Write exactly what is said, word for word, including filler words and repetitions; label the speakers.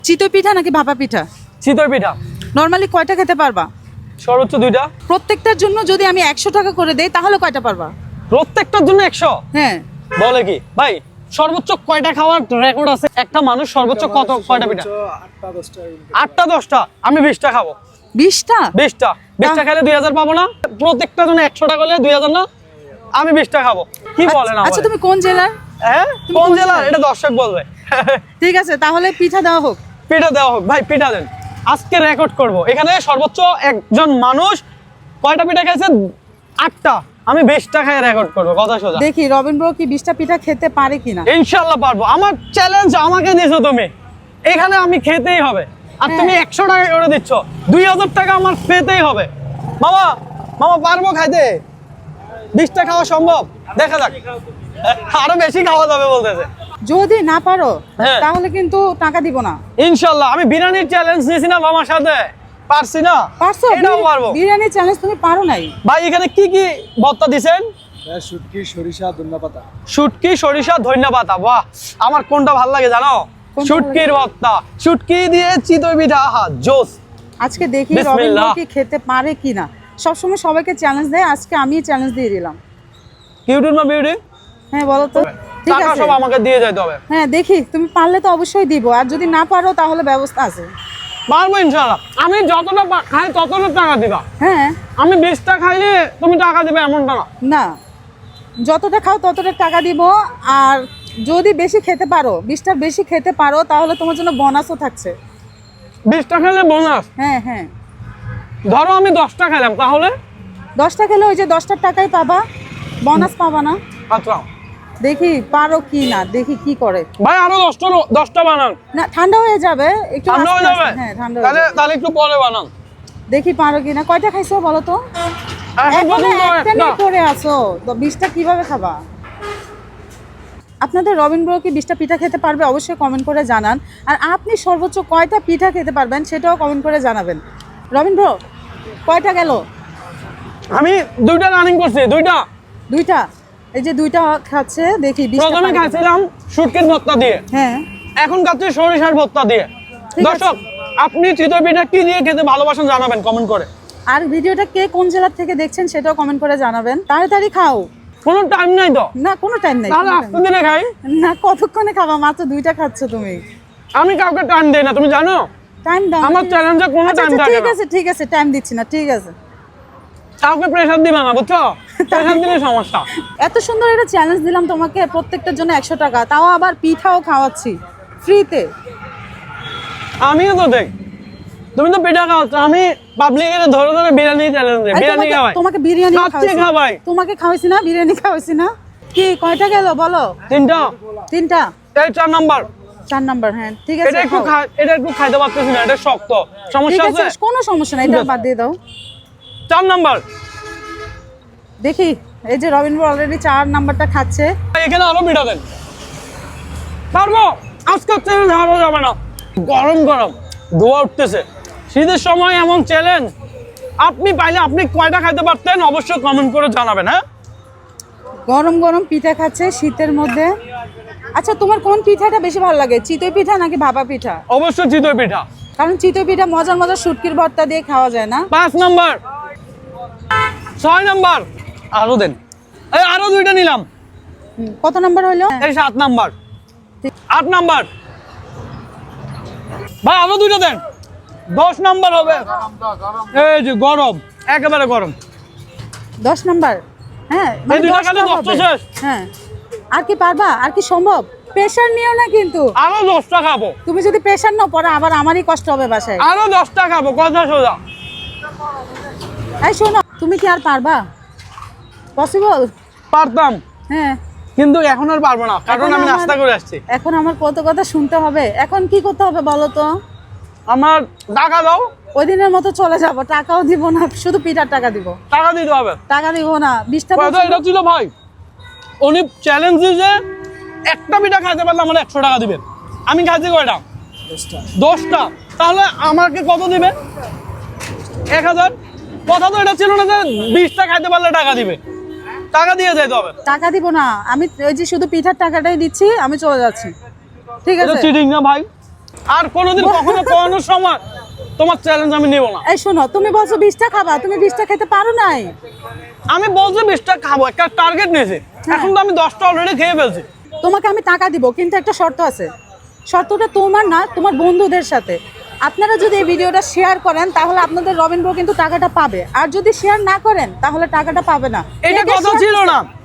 Speaker 1: চিতই পিঠা নাকি ভাপা পিঠা?
Speaker 2: চিতই পিঠা।
Speaker 1: নরমালি কয়টা খেতে পারবা?
Speaker 2: সর্বোচ্চ দুইটা।
Speaker 1: প্রত্যেকটার জন্য যদি আমি একশো টাকা করে দেই তাহলে কয়টা পারবা?
Speaker 2: প্রত্যেকটার জন্য একশো?
Speaker 1: হ্যাঁ।
Speaker 2: বলে কি ভাই, সর্বোচ্চ কয়টা খাওয়ার রেকর্ড আছে একটা মানুষ? সর্বোচ্চ কত কয়টা পিঠা? আটটা দশটা। আমি বিশটা খাবো।
Speaker 1: বিশটা?
Speaker 2: বিশটা বিশটা খেলে দুই হাজার পাবো না? প্রত্যেকটা জন্য একশো টাকা হলে দুই হাজার না? আমি বিশটা খাবো। কি বলেন?
Speaker 1: আচ্ছা তুমি কোন জেলার?
Speaker 2: হ্যাঁ কোন জেলার এটা দর্শক বলবে।
Speaker 1: ঠিক আছে তাহলে পিঠা দেওয়া হোক।
Speaker 2: পিঠা দেওয়া হোক ভাই, পিঠা দেন। আজকে রেকর্ড করব। এখানে সর্বোচ্চ একজন মানুষ কয়টা পিঠা খাইছে? আটটা। আমি বিশটা খাই রেকর্ড করবো, কথা সোজা।
Speaker 1: দেখি রবিন ব্রো কি বিশটা পিঠা খেতে পারে কিনা।
Speaker 2: ইনশাআল্লাহ পারবো। আমার চ্যালেঞ্জ আমাকে দিয়েছো তুমি, এখানে আমি খেতেই হবে। আর তুমি একশো টাকা করে দিচ্ছ, দুই হাজার টাকা আমার পেতেই হবে। মামা মামা পারবো খাইতে? বিশটা খাওয়া সম্ভব? দেখা যাক। আরো বেশি খাওয়া যাবে বলতেছে।
Speaker 1: যদি না পারো
Speaker 2: হ্যাঁ।
Speaker 1: তাহলে কিন্তু টাকা দিব না।
Speaker 2: ইনশাআল্লাহ। আমি বিরিয়ানির চ্যালেঞ্জ নিয়েছি না মামার সাথে, পারছি না?
Speaker 1: পারছো?
Speaker 2: এটাও পারবো।
Speaker 1: বিরিয়ানির চ্যালেঞ্জ তুমি পারো নাই
Speaker 2: ভাই এখানে কি কি ভর্তা দিছেন?
Speaker 3: শুটকি, সরিষা, ধনিয়াপাতা।
Speaker 2: শুটকি, সরিষা, ধনিয়াপাতা। বাহ, আমার কোনটা ভালো লাগে জানো?
Speaker 1: কোনটা
Speaker 2: শুটকির ভর্তা। শুটকি দিয়ে চিতই পিঠা, আহা জোস।
Speaker 1: আজকে দেখি রবিন ব্রো
Speaker 2: বিসমিল্লাহ।
Speaker 1: কি খেতে পারে কিনা। সবসময় সবাইকে চ্যালেঞ্জ দেয়, আজকে আমি চ্যালেঞ্জ দিয়ে দিলাম।
Speaker 2: কিউটির মা বিউটি,
Speaker 1: হ্যাঁ বলো তো। ঠিক
Speaker 2: টাকা
Speaker 1: আছে
Speaker 2: সব আমাকে দিয়ে যাইতে হবে।
Speaker 1: হ্যাঁ দেখি তুমি পারলে তো অবশ্যই দিব, আর যদি না পারো তাহলে ব্যবস্থা আছে।
Speaker 2: পারবো ইনশাআল্লাহ। আমি যতটা পা- খাই ততটা টাকা দিবা।
Speaker 1: হ্যাঁ
Speaker 2: আমি বিশটা খাইলে তুমি টাকা দিবে এমনটা না।
Speaker 1: না, যতটা খাও ততটা টাকা দিব। আর যদি বেশি খেতে পারো, বিশটার বেশি খেতে পারো, তাহলে তোমার জন্য বোনাসও থাকছে।
Speaker 2: বিশটা খেলে বোনাস।
Speaker 1: হ্যাঁ হ্যাঁ,
Speaker 2: ধরো আমি দশটা খেলাম, তাহলে
Speaker 1: দশটা খেলে ওই যে দশটার টাকাই পাবা, বোনাস পাবা না।
Speaker 2: আচ্ছা
Speaker 1: দেখি পারো কি না, দেখি কি করে।
Speaker 2: ভাই আরো দশটা দশটা বানান।
Speaker 1: না ঠান্ডা হয়ে যাবে একটু,
Speaker 2: ঠান্ডা হয়ে
Speaker 1: আস্তে
Speaker 2: যাবে?
Speaker 1: আস্তে। হ্যাঁ ঠান্ডা হয়ে
Speaker 2: তাহলে
Speaker 1: যাবে।
Speaker 2: তাহলে একটু পরে বানান।
Speaker 1: দেখি পারো কি না। কয়টা খাইছো বলো তো?
Speaker 2: এখন
Speaker 1: এখনো
Speaker 2: পর্যন্ত
Speaker 1: একটা
Speaker 2: একটা।
Speaker 1: নিয়ে পড়ে আছো, তো বিশটা কিভাবে খাবা? আপনাদের রবিন ব্রো কি বিশটা পিঠা খেতে পারবে? অবশ্যই কমেন্ট করে জানান। আর আপনি সর্বোচ্চ কয়টা পিঠা খেতে পারবেন সেটাও কমেন্ট করে জানাবেন। রবিন ব্রো কয়টা গেল?
Speaker 2: আমি দুইটা রানিং করছি, দুইটা।
Speaker 1: দুইটা। এই যে দুইটা খাচ্ছে, দেখি বিশটা
Speaker 2: প্রথমে
Speaker 1: পারে কিনা।
Speaker 2: খাইছিলাম শুটকির ভর্তা দিয়ে,
Speaker 1: হ্যাঁ
Speaker 2: এখন খাচ্ছি সরিষার ভর্তা দিয়ে।
Speaker 1: ঠিক আছে।
Speaker 2: দর্শক আপনি চিতই পিঠা কি দিয়ে খেতে ভালোবাসেন জানাবেন কমেন্ট করে।
Speaker 1: আর ভিডিওটা কে কোন জেলা থেকে দেখছেন সেটাও কমেন্ট করে জানাবেন। তাড়াতাড়ি খাও।
Speaker 2: কোনো টাইম নাই তো?
Speaker 1: না কোনো টাইম নেই।
Speaker 2: তাহলে আস্তে দিনে খাই।
Speaker 1: না কতক্ষণে খাবা? মাত্র দুইটা খাচ্ছ তুমি।
Speaker 2: আমি কাউকে টাইম দেই না, তুমি জানো?
Speaker 1: টাইম দাও।
Speaker 2: আমার চ্যালেঞ্জে কোনো
Speaker 1: আচ্ছা,
Speaker 2: টাইম
Speaker 1: আচ্ছা,
Speaker 2: থাকে
Speaker 1: ঠিক
Speaker 2: না।
Speaker 1: আছে ঠিক আছে, টাইম দিচ্ছি না, ঠিক আছে।
Speaker 2: কাউকে প্রেশার দিবা না, বুঝছো? প্রেশার দিলে সমস্যা।
Speaker 1: এত সুন্দর একটা চ্যালেঞ্জ দিলাম তোমাকে, প্রত্যেকটার জন্য একশো টাকা, তাও আবার পিঠাও খাওয়াচ্ছি ফ্রিতে।
Speaker 2: আমিও তো দেখ, তুমি তো পিঠা খাওয়াচ্ছ, আমি পাবলিকের ধরে ধরে বিরিয়ানি চ্যালেঞ্জ দিই। বিরিয়ানি খাওয়াই।
Speaker 1: তোমাকে বিরিয়ানি
Speaker 2: খাচ্ছি খাওয়াই।
Speaker 1: তোমাকে খাওয়াইছি না, বিরিয়ানি খাওয়াইছি না। কি কয়টা গেল বলো?
Speaker 2: তিনটা।
Speaker 1: তিনটা।
Speaker 2: এই চার নাম্বার।
Speaker 1: চার নাম্বার। হ্যাঁ ঠিক
Speaker 2: এটা
Speaker 1: আছে,
Speaker 2: একটু
Speaker 1: খাও।
Speaker 2: খা- এটা একটু খাইতে পারতেছি না, এটা শক্ত।
Speaker 1: ঠিক
Speaker 2: সমস্যা
Speaker 1: আছে
Speaker 2: আছে?
Speaker 1: কোনো সমস্যা নাই, এটা বাদ দিয়ে দাও।
Speaker 2: চার নাম্বার।
Speaker 1: দেখি এই যে রবিন অলরেডি চার নাম্বারটা খাচ্ছে।
Speaker 2: এখানে আরো পিঠা দেন। পারবো? আজকে চ্যালেঞ্জ হারা যাবে না। গরম গরম ধোয়া উঠতেছে। শীতের সময় এমন চ্যালেঞ্জ আপনি পাইলে আপনি কয়টা খাইতে পারতেন অবশ্যই কমেন্ট করে জানাবেন। হ্যাঁ
Speaker 1: গরম গরম পিঠা খাচ্ছে শীতের মধ্যে। আচ্ছা তোমার কোন পিঠাটা বেশি ভালো লাগে, চিতই পিঠা নাকি ভাপা পিঠা?
Speaker 2: অবশ্যই চিতই পিঠা।
Speaker 1: কারণ চিতই পিঠা মজার মজার শুটকির ভর্তা দিয়ে খাওয়া যায় না।
Speaker 2: পাঁচ নাম্বার। ছয় নাম্বার। আরো দেন। এই আরো দুইটা নিলাম।
Speaker 1: হুম, কত নাম্বার হলো?
Speaker 2: এই সাত নাম্বার। আট নাম্বার। ভাই আরো দুইটা দেন। দশ নাম্বার হবে। এই যে গরম, একেবারে গরম।
Speaker 1: দশ নাম্বার। হ্যাঁ মানে
Speaker 2: এই দুইটা
Speaker 1: দশটা
Speaker 2: খেলে দশটা
Speaker 1: হবে।
Speaker 2: শেষ।
Speaker 1: হ্যাঁ আর কি পারবা? আর কি সম্ভব? প্রেশার নিও না কিন্তু।
Speaker 2: আরো দশটা খাবো।
Speaker 1: তুমি যদি প্রেশার নাও পরে আবার আমারই কষ্ট হবে বাসায়।
Speaker 2: আরো দশটা খাবো, কথা সোজা।
Speaker 1: এই শোনো, তুমি কি আর পারবা? পসিবল?
Speaker 2: পারতাম,
Speaker 1: হ্যাঁ
Speaker 2: কিন্তু এখন আর পারবো না, কারণ
Speaker 1: এখন
Speaker 2: আমি
Speaker 1: আমার-
Speaker 2: নাস্তা করে আসছি।
Speaker 1: এখন আমার কত কথা শুনতে হবে। এখন কি করতে হবে বলো তো?
Speaker 2: আমার টাকা দাও।
Speaker 1: ওই দিনের মতো চলে যাব, টাকাও দিব না, শুধু পিঠার টাকা দিব।
Speaker 2: টাকা দিতে হবে।
Speaker 1: টাকা দিব না, বিশটা
Speaker 2: কথা এটা ছিল ভাই, উনি চ্যালেঞ্জ দিয়েছে একটা পিঠা খাইতে পারলে আমার একশো টাকা দিবেন। আমি খাইছি কয়টা? দশটা। তাহলে আমাকে কত দিবে? এক হাজার। কথা তো এটা ছিল না যে বিশটা খাইতে পারলে টাকা দিবে। টাকা দিয়ে যেতে হবে।
Speaker 1: টাকা দিব না, আমি ওই যে শুধু পিঠার টাকাটাই দিচ্ছি, আমি চলে যাচ্ছি। ঠিক
Speaker 2: এটা
Speaker 1: আছে?
Speaker 2: চিটিং না ভাই? আর কোনোদিন কখনো কোনো সময় তোমার চ্যালেঞ্জ আমি নেব না।
Speaker 1: এই শোনো, তুমি বলছো বিশটা খাবা, তুমি বিশটা খেতে পারো নাই।
Speaker 2: আমি বলছি বিশটা খাবো, একটা টার্গেট নিয়েছি, এখন তো আমি দশটা অলরেডি খেয়ে ফেলছি।
Speaker 1: তোমাকে আমি টাকা দিব, কিন্তু একটা শর্ত আছে। শর্তটা তোমার না, তোমার বন্ধুদের সাথে। আপনারা যদি এই ভিডিওটা শেয়ার করেন তাহলে আপনাদের রবিন ব্রো কিন্তু টাকাটা পাবে, আর যদি শেয়ার না করেন তাহলে টাকাটা পাবে না।
Speaker 2: এটা কথা ছিল না।